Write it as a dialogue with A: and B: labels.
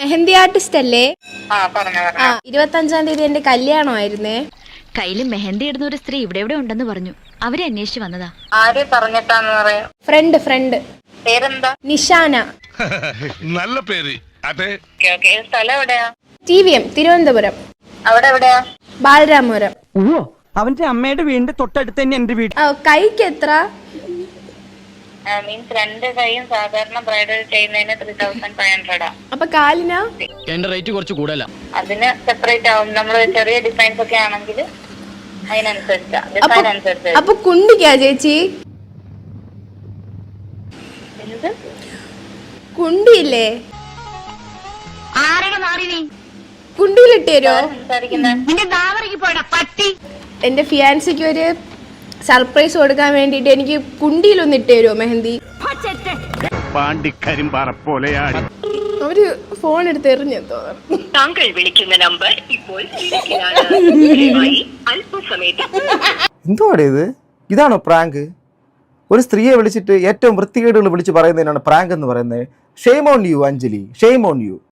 A: Mehndi artist അല്ലേ?
B: ആ
A: 25-ാം തീയതി എന്റെ കല്യാണമായിരുന്നേ.
C: കയ്യില് മെഹന്തി ഇടുന്ന ഒരു സ്ത്രീ ഇവിടെ എവിടെ ഉണ്ടെന്ന് പറഞ്ഞു. അവരെ അന്വേഷിച്ച് വന്നതാ.
B: ആരെ പറഞ്ഞിട്ടാന്ന് പറയാ?
A: ഫ്രണ്ട്.
B: പേരെന്താ?
A: നിഷാന.
D: നല്ല പേര്. അതെ.
B: സ്ഥലം എവിടെയാ?
A: TVM തിരുവനന്തപുരം.
B: അവിടെ എവിടെയാ?
A: ബാലരാമപുരം.
E: ഓ അവന്റെ അമ്മയുടെ വീടിന്റെ തൊട്ടടുത്ത് തന്നെ എന്റെ വീട്.
A: കൈക്ക് എത്ര?
B: മീൻസ് രണ്ട് കൈയും സാധാരണ ബ്രൈഡൽ ചെയ്യുന്നതിന് 3500.
A: അപ്പൊ കാലിനാ?
F: എന്റെ റേറ്റ് കുറച്ച് കൂടുതലാ.
B: അതിന് സെപ്പറേറ്റ് ആവും. നമ്മള് ചെറിയ ഡിസൈൻസ് ഒക്കെ ആണെങ്കിൽ അതിനനുസരിച്ചാ, ഡിസൈൻ അനുസരിച്ച്.
A: അപ്പൊ കുണ്ടിക്കാ ചേച്ചി?
B: എന്ത്
A: കുണ്ടിയില്ലേ? കുണ്ടിയിലിട്ട് തരുമോ? എന്റെ ഫിയാൻസിക്ക് ഒരു സർപ്രൈസ് കൊടുക്കാൻ വേണ്ടിട്ട് എനിക്ക് കുണ്ടിയിലൊന്ന് ഇട്ട് തരുമോ മെഹന്തി? അവര് ഫോൺ എടുത്ത് എറിഞ്ഞു തോന്നുന്നു.
G: താങ്കൾ വിളിക്കുന്ന നമ്പർ ഇപ്പോൾ
H: എന്തുവാടേ ഇത്? ഇതാണോ പ്രാങ്ക്? ഒരു സ്ത്രീയെ വിളിച്ചിട്ട് ഏറ്റവും വൃത്തികേടുകൾ വിളിച്ച് പറയുന്നതിനാണ് പ്രാങ്ക് എന്ന് പറയുന്നത്. Shame on you Anjali, shame on U.